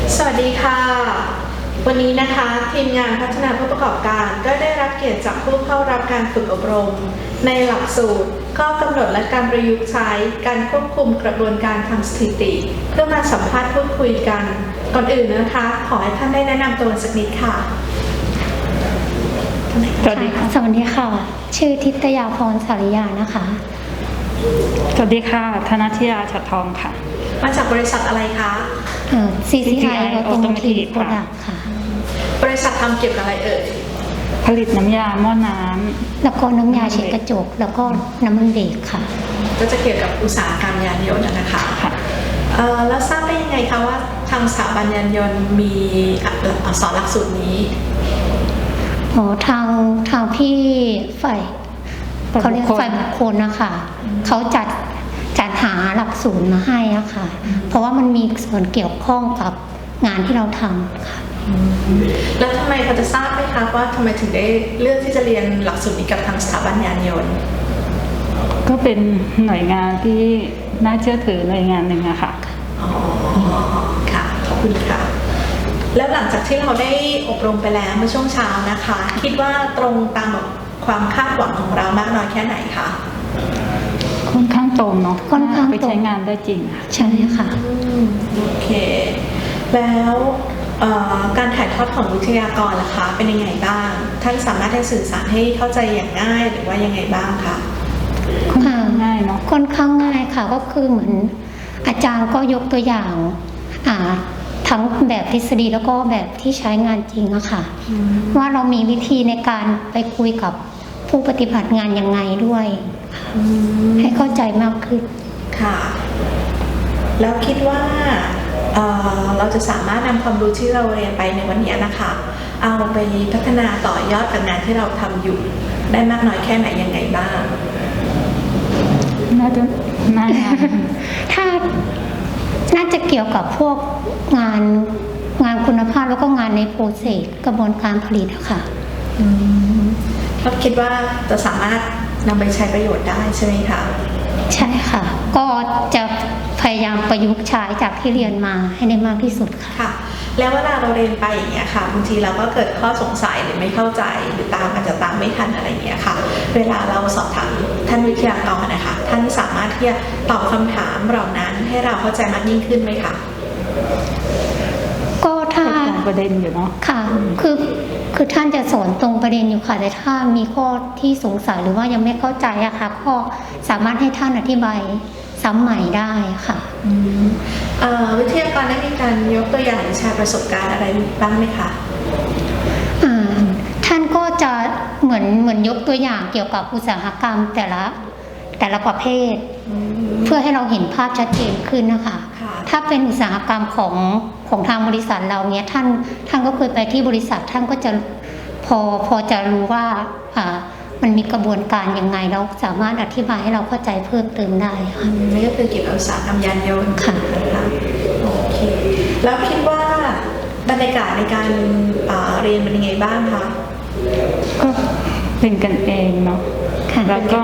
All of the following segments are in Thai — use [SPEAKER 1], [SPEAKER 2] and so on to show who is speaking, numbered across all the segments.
[SPEAKER 1] สวัสดีค่ะวันนี้นะคะทีมงานพัฒนาผู้ประกอบการก็ได้รับเกียรติจากผู้เข้ารับการฝึกอบรมในหลักสูตรข้อกำหนดและการประยุกต์ใช้การควบคุมกระบวนการทางสถิติเพื่อมาสัมภาษณ์พูดคุยกันก่อนอื่นนะคะขอให้ท่านได้แนะนำตัวสักนิดค่ะ
[SPEAKER 2] สวัสดีค่ะ
[SPEAKER 3] สวัสดีค่ะชื่อทิตยาพรสาริยานะคะ
[SPEAKER 2] สวัสดีค่ะธนทิยาฉัตรทองค่ะ
[SPEAKER 1] มาจากบริษัทอะไรคะ
[SPEAKER 3] CCI Automotive Product ค่ะ
[SPEAKER 1] บริษัททำเกี่ยวกับอะไรเอ่ย
[SPEAKER 2] ผลิตน้ำยาหม้อน้ำ
[SPEAKER 3] แล้วก็น้ำยาเช็ดกระจกแล้วก็น้ำมันเบรกค่ะ
[SPEAKER 1] ก็จะเกี่ยวกับอุตสาหกรรมยานยนต์นะคะแล้วทราบได้ยังไงคะว่าทางสถาบันยานยนต์มีสอนหลักสูตรนี้
[SPEAKER 3] ทางพี่ฝ่ายเขาเรียกฝ่ายบุคคลนะคะเขาจัดหาหลักสูตรมาให้อะค่ะเพราะว่ามันมีส่วนเกี่ยวข้องกับงานที่เราทำค่ะ
[SPEAKER 1] แล้วทำไมเขาจะทราบไหมคะว่าทำไมถึงได้เลือกที่จะเรียนหลักสูตรนี้กับทางสถาบันยานยนต์
[SPEAKER 2] ก็เป็นหน่วยงานที่น่าเชื่อถือหน่วยงานหนึ่งอะค่ะ
[SPEAKER 1] อ๋อค่ะขอบคุณค่ะแล้วหลังจากที่เราได้อบรมไปแล้วเมื่อช่วงเช้านะคะคิดว่าตรงตามความคาดหวังของเรามากน้อยแค่ไหนคะ
[SPEAKER 2] ค่อนข้างตรงเนาะ
[SPEAKER 3] ค่อนข้าง
[SPEAKER 2] ไปใช้งานได้จริง
[SPEAKER 3] ใช่ค่ะ
[SPEAKER 1] โอเคแล้วการถ่ายทอดของวิทยากรล่ะคะเป็นยังไงบ้างท่านสามารถให้สื่อสารให้เข้าใจอย่างง่ายหรือว่ายังไงบ้างคะ
[SPEAKER 2] ค่อนข้างง่ายเนาะ
[SPEAKER 3] ค่อนข้างง่ายค่ะก็คือเหมือนอาจารย์ก็ยกตัวอย่างทั้งแบบทฤษฎีแล้วก็แบบที่ใช้งานจริงอะค่ะว่าเรามีวิธีในการไปคุยกับผู้ปฏิบัติงานยังไงด้วยให้เข้าใจมากขึ้น
[SPEAKER 1] ค่ะแล้วคิดว่าเราจะสามารถนำความรู้ที่เราเรียนไปในวันนี้นะคะเอาไปพัฒนาต่อยอดกับงานที่เราทำอยู่ได้มากน้อยแค่ไหนยังไงบ้าง
[SPEAKER 2] น่าจะ
[SPEAKER 3] ถ้าน่าจะเกี่ยวกับพวกงานคุณภาพแล้วก็งานในโปรเซสกระบวนการผลิตอะค่ะ
[SPEAKER 1] ก็คิดว่าจะสามารถนำไปใช้ประโยชน์ได้ใช่ไหมคะ
[SPEAKER 3] ใช่ค่ะก็จะพยายามประยุกต์ใช้จากที่เรียนมาให้ได้มากที่สุด
[SPEAKER 1] ค่ะแล้วเวลาเราเรียนไปอย่างเงี้ยค่ะบางทีเราก็เกิดข้อสงสัยหรือไม่เข้าใจหรืออาจจะตามไม่ทันอะไรอย่างเงี้ยค่ะเวลาเราสอบถามท่านวิทยากรนะคะท่านสามารถที่จะตอบคำถามเหล่านั้นให้เราเข้าใจมากยิ่งขึ้นไหมคะ
[SPEAKER 3] ก็ถ้า
[SPEAKER 2] ประเด็นอยู่เนาะ
[SPEAKER 3] ค่ะคือท่านจะสอนตรงประเด็นอยู่ค่ะแต่ถ้ามีข้อที่สงสัยหรือว่ายังไม่เข้าใจอะค่ะก็สามารถให้ท่านอธิบายซ้ำใหม่ได้ค่ะ
[SPEAKER 1] วิทยากรได้มีการยกตัวอย่างหรือแชร์ประสบการณ์อะไรบ้างไหมคะ
[SPEAKER 3] ท่านก็จะเหมือนยกตัวอย่างเกี่ยวกับอุตสาหกรรมแต่ละประเภทเพื่อให้เราเห็นภาพชัดเจนขึ้นนะคะถ้าเป็นอุตสาหกรรมของทางบริษัทเราเนี้ยท่านก็เคยไปที่บริษัทท่านก็จะพอจะรู้ว่ามันมีกระบวนการยังไงแล้วสามารถอธิบายให้เราเข้าใจเพิ่มเติมได้ค่ะ
[SPEAKER 1] นี่ก็คือเกี่ยวกับอุตสาหกรรมยานยนต์
[SPEAKER 3] ค่ะ
[SPEAKER 1] โอเคแล้วคิดว่าบรรยากาศในการเรียนเป็นยังไงบ้างคะ
[SPEAKER 2] ก็เป็นกันเองเนาะแล้วก็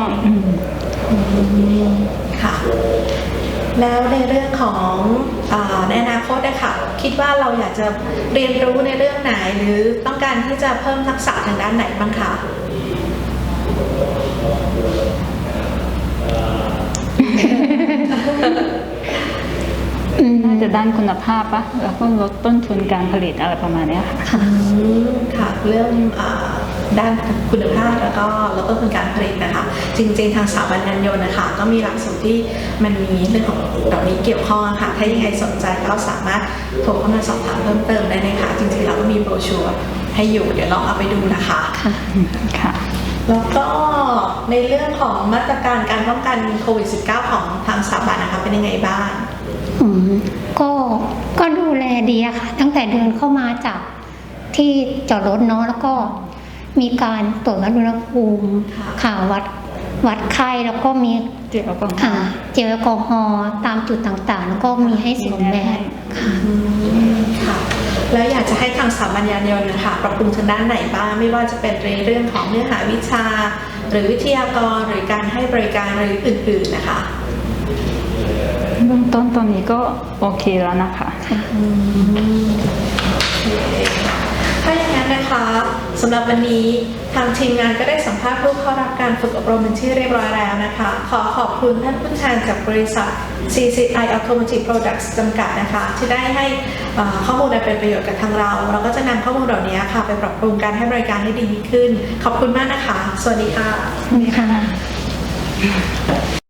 [SPEAKER 1] ค่ะแล้วในเรื่องของในอนาคตนะคะคิดว่าเราอยากจะเรียนรู้ในเรื่องไหนหรือต้องการที่จะเพิ่มทักษะทางด้านไหนบ้างคะ
[SPEAKER 2] น่าจะด้านคุณภาพปะแล้วก็ลดต้นทุนการผลิตอะไรประมาณนี้ค่ะ
[SPEAKER 1] ค่ะเรื่องด้านคุณภาพแล้วก็ลดต้นทุนการผลิตนะคะจริงๆทางสถาบันยานยนต์นะคะก็มีหลักสูตรที่มันมีเรื่องของเหล่านี้เกี่ยวข้องค่ะถ้ายังไงสนใจก็สามารถโทรเข้ามาสอบถามเพิ่มเติมได้นะคะจริงๆเราก็มีโบรชัวร์ให้อยู่เดี๋ยวลองเอาไปดูนะคะ
[SPEAKER 3] ค่ะ
[SPEAKER 1] แล้วก็ในเรื่องของมาตรการการป้องกันโควิด -19 ของทางสถาบันนะคะเป็นยังไงบ้าง
[SPEAKER 3] ก็ดูแลดีอะค่ะตั้งแต่เดินเข้ามาจากที่จอดรถเนาะแล้วก็มีการตรวจวัดอุณหภูมิค่ะวัดไข้แล้วก็มี
[SPEAKER 2] เจลแอลกอ
[SPEAKER 3] ฮอล์ตามจุดต่างๆแล้วก็มีให้สวมแมส
[SPEAKER 1] ค่ะแล้วอยากจะให้ทางสถาบันยานยนต์นะคะปรับปรุงทางด้านไหนบ้างไม่ว่าจะเป็นในเรื่องของเนื้อหาวิชาหรือวิทยากรหรือการให้บริการหรืออื่นๆนะคะ
[SPEAKER 2] เบื้องต้นตอนนี้ก็โอเคแล้วนะคะ
[SPEAKER 1] นะคะสำหรับวันนี้ทางทีมงานก็ได้สัมภาษณ์ผู้เข้ารับการฝึกอบรมเป็นที่เรียบร้อยแล้วนะคะขอขอบคุณท่านผู้แทนจากบริษัท CCI Automotive Products จำกัดนะคะที่ได้ให้ข้อมูลอันเป็นประโยชน์กับทางเราก็จะนำข้อมูลเหล่านี้ค่ะไปปรับปรุงการให้บริการให้ดีขึ้นขอบคุณมากนะคะสวัสดีค่ะ
[SPEAKER 3] นี่ค่ะ